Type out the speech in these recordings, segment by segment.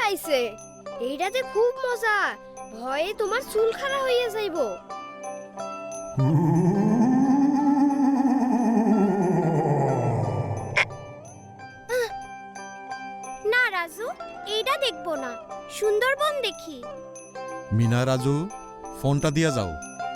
আইছে। এইটা যে খুব মজা, ভয়ে তোমার চুল খাড়া হইয়া যাইব। না রাজু, এইটা দেখবো না, সুন্দরবন দেখি। মিনা রাজু, ফোনটা দিয়া যাও।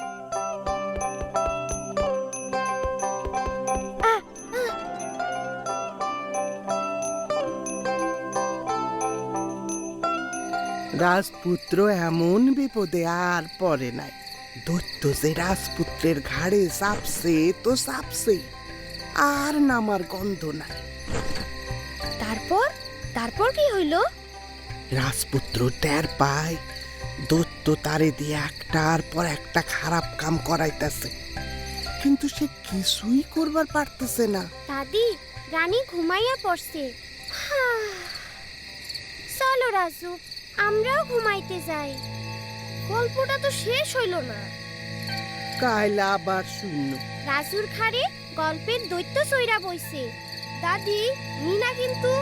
রাজপুত্র এমন বিপদে আর পড়ে নাই। দৈত্য যে রাজপুত্রের ঘাড়ে চাপছে তো চাপছে, আর নামার গন্ধ নাই। তারপর তারপর কি হইল? রাজপুত্র টের পায় দৈত্য তারে দিয়ে একটার পর একটা খারাপ কাম করাইতেছে, কিন্তু সে কিছুই করবার পারতেছে না। দাদি, রানী ঘুমাইয়া পড়ছে। চলো রাজু, আমরাও ঘুমাইতে যাই। গল্পটা তো শেষ হইল না। কাল আবার শূন্য। রাজুর ঘাড়ে গল্পের দৈত্য চইরা বইছে। দাদি, মিনা কিন্তু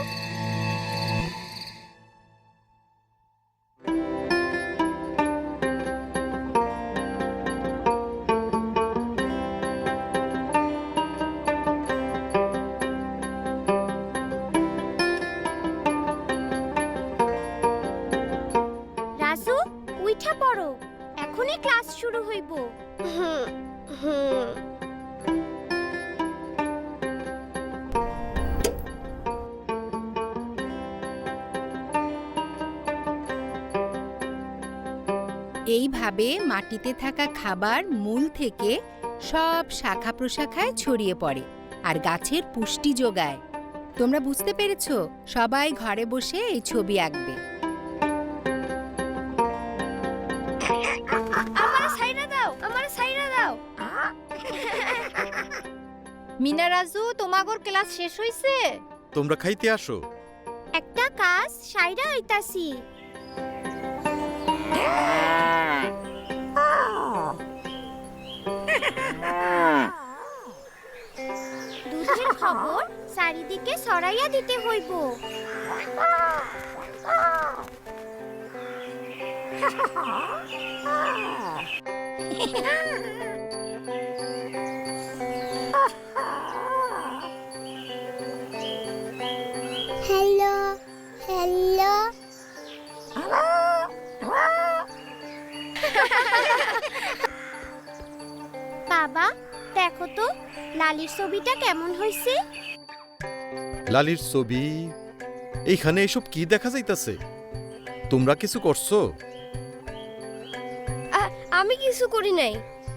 রাজু, উইঠা পড়ো, এখনই ক্লাস শুরু হইব। এইভাবে মাটিতে থাকা খাবার মূল থেকে সব শাখা প্রশাখায় ছড়িয়ে পড়ে আর গাছের পুষ্টি যোগায়। তোমরা বুঝতে পেরেছো? সবাই ঘরে বসে এই ছবি আঁকবে। আমারে সাইরা দাও, আমারে সাইরা দাও। মিনা রাজু, তোমাগোর ক্লাস শেষ হইছে? তোমরা খাইতে আসো। একটা কাজ সাইরা হইতাছি। দুধের খবর চারিদিকে ছড়াইয়া দিতে হইব। Hello hello. বাবা, দেখো তো লালির ছবিটা কেমন হইছে। লালির ছবি? এইখানে এসব কি দেখা যাইতাছে? তোমরা কিছু করছো? আমি কিছু করি নাই।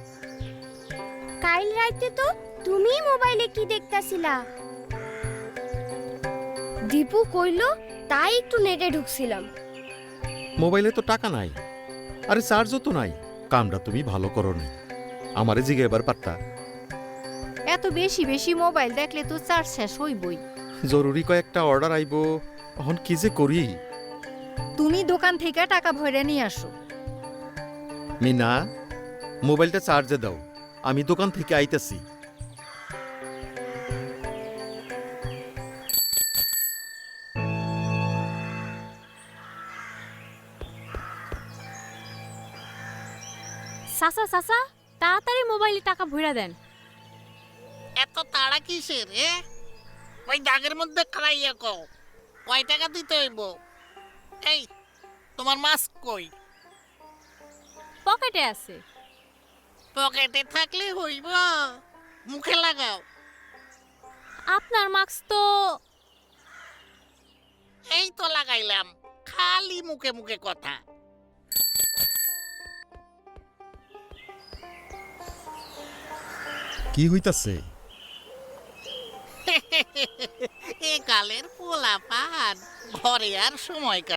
কাল রাতে তো তুমি মোবাইলে কি দেখতাছিলা? দীপু কইলো, তাই একটু নেটে ঢুকছিলাম। মোবাইলে তো টাকা নাই, আরে চার্জও তো নাই। কামটা তুমি ভালো করো না, আমারে জিগে এবার পারতা। এত বেশি বেশি মোবাইল দেখলে তো চার্জ শেষ হইবই। জরুরি কয়েকটা অর্ডার আইবো, এখন কি যে করি। তুমি দোকান থেকে টাকা ভরে নিয়ে আসো। মিনা, মোবাইলটা চার্জে দাও, আমি দোকান থেকে আইতাছি। চাচা চাচা, তাড়াতাড়ি মোবাইলে টাকা ভইরা দেন। এত তাড়া কিসের রে? ওই দাগের মধ্যে খাইয়া কও কয় টাকা দিতে হইব। এই, তোমার মাস্ক কই? পকেটে আছে। পকেটে থাকলে হইব, মুখে লাগাও। আপনার মাস্ক তো এই তো লাগাইলাম, খালি মুখে মুখে কথা। কি হইতাছে? এ কালের পোলাপান ঘরে আর সময়